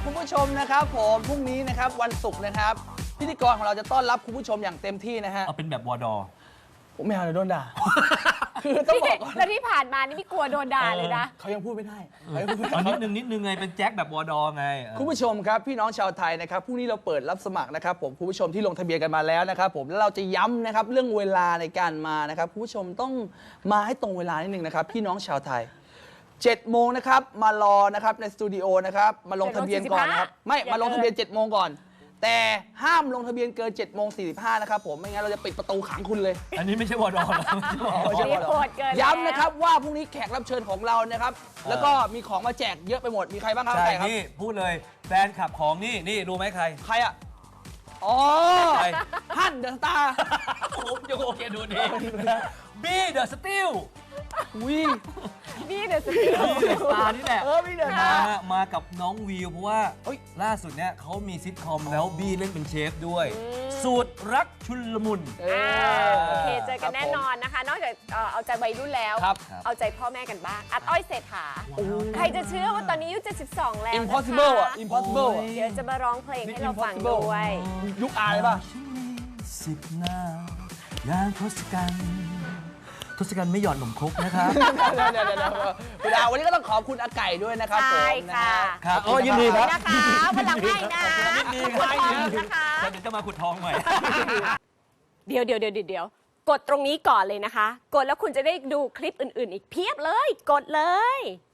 คุณผู้ชมนะครับผมพรุ่งนี้นะครับวันศุกร์นะครับพิธีกรของเราจะต้อนรับคุณผู้ชมอย่างเต็มที่นะฮะเอาเป็นแบบวอดอผมไม่เอาเลยโดนด่า คือต้องบอกก่อนแล้วที่ผ่านมานี่ไม่กลัวโดนด่าเลยนะเขายังพูดไม่ได้เขายังพูดไม่เอาได้นิดนึงไงเป็นแจ็คแบบวอดอไงคุณผู้ชมครับพี่น้องชาวไทยนะครับพรุ่งนี้เราเปิดรับสมัครนะครับผมคุณผู้ชมที่ลงทะเบียนกันมาแล้วนะครับผมแล้วเราจะย้ำนะครับเรื่องเวลาในการมานะครับคุณผู้ชมต้องมาให้ตรงเวลานิดนึงนะครับพี่น้องชาวไทย7 โมงนะครับมารอนะครับในสตูดิโอนะครับมาลงทะเบียนก่อนนะครับไม่มาลงทะเบียน7 โมงก่อนแต่ห้ามลงทะเบียนเกิน7 โมง 45นะครับผมไม่งั้นเราจะปิดประตูขังคุณเลยอันนี้ไม่ใช่วอดอนะไม่ใช่นี่โหดเกินแล้วย้ำนะครับว่าพรุ่งนี้แขกรับเชิญของเรานะครับแล้วก็มีของมาแจกเยอะไปหมดมีใครบ้างครับใช่ใครครับนี่พูดเลยแฟนขับของนี่รู้ไหมใครใครอ่ะอ๋อใครฮั่นเดอะสตาร์ผมยังโอเคดูดีบี้เดอะสติลวินี่เดี๋ยวจะบี้เดอะสตาร์นี่แหละพี่เดอะสตาร์มากับน้องวิวเพราะว่าเฮ้ยล่าสุดเนี่ยเขามีซิทคอมแล้วบี้เล่นเป็นเชฟด้วย สูตรรักชุลมุนโอเคเจอกันแน่นอนนะคะ นอกจากเอาใจวัยรุ่นแล้วครับเอาใจพ่อแม่กันบ้างอัดอ้อยเศรษฐาใครจะเชื่อว่าตอนนี้อายุ72แล้วนะคะ impossible อ่ะ impossible อ่ะเดี๋ยวจะมาร้องเพลงให้เราฟังด้วยยุคอาเลยป่ะ 10 หน้าอย่างทศกัณฐ์ไม่หย่อนหนมครกนะครับเดี๋ยวคุณดาววันนี้ก็ต้องขอบคุณอาไก่ด้วยนะครับผมใช่ค่ะครับโอ้ยินดีครับนะคะวันหลังให้นะยินดีคขรัอบบคุณนะคะเดี๋ยวจะมาขุดทองใหม่เดี๋ยวกดตรงนี้ก่อนเลยนะคะ กดแล้วคุณจะได้ดูคลิปอื่นๆ อีกเพียบเลย กดเลย